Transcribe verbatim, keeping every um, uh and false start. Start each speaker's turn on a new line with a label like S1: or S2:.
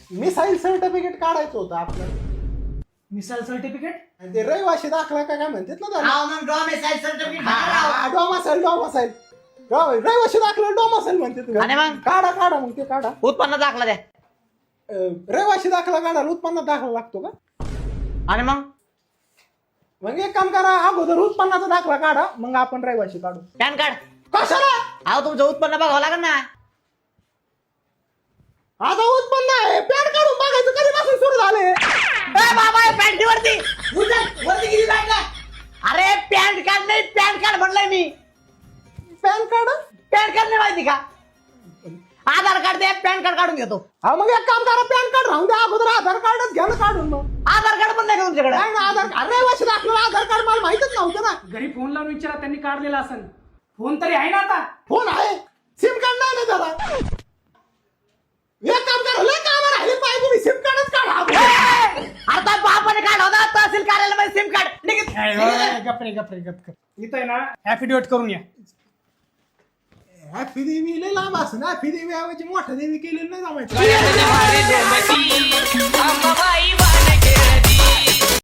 S1: Missile certificate काढायचं होतं आपल्याला.
S2: मिसाईल सर्टिफिकेट
S1: ते रहिवाशी दाखला का काय म्हणतात ना त्याला.
S3: हा मग डॉमिसाईल सर्टिफिकेट
S1: डोमासाईल डोमासाईल रहिवाशी दाखला डोमासाईल म्हणतात.
S4: आणि मग?
S1: काढा काढा मग ते काढा.
S4: उत्पन्न दाखला द्या.
S1: अं, रहिवाशी दाखला काढायला उत्पन्नात दाखला लागतो का?
S4: आणि मग
S1: मग एक काम करा, अगोदर उत्पन्नाचा दाखला काढा, मग आपण रहिवाशी काढू.
S4: Pan card.
S1: कशाला?
S4: अहो तुमचं उत्पन्न बघावं लागेल ना.
S1: आता उत्पन्न आहे, पॅन काढून बघायचं कधीपासून सुरू झाले.
S4: ए बाबा पॅन्टीवरती
S3: वरती किती बॅग
S4: अरे पॅन कार्ड नाही पॅन कार्ड म्हणलंय मी.
S1: पॅन कार्ड
S4: पॅन कार्ड नाही माहिती का? आधार कार्ड दे पॅन कार्ड काढून घेतो.
S1: हा मग एक काम करा, पॅन कार्ड राहून द्या, अगोदर आधार कार्डच घ्या ना काढून. मग
S4: आधार कार्ड पण नाही का तुमच्याकडे?
S1: नाही ना आधार कार्ड, रहिवाशी दाखला आधार कार्ड मला माहितच नव्हतं ना.
S2: घरी फोन लावून विचारा, त्यांनी काढलेला असेल. फोन तरी आहे ना आता?
S1: फोन आहे, सिम कार्ड नाही ना त्याला. एक काम करा, लय काम राहिले पाहिजे, तुम्ही सिम कार्डच काढा.
S4: आता बापाने काढ होता तहसील कार्यालयामध्ये सिम कार्ड निघत.
S2: गपरे गपरे गप इथं आहे ना ऍफिडेविट करून या.
S1: हॅपी देवी लय लांब असं ना, हॅपी देवी ऐवजी मोठा देवी केलेलं नाही जमायचं.
S5: अंबाबाई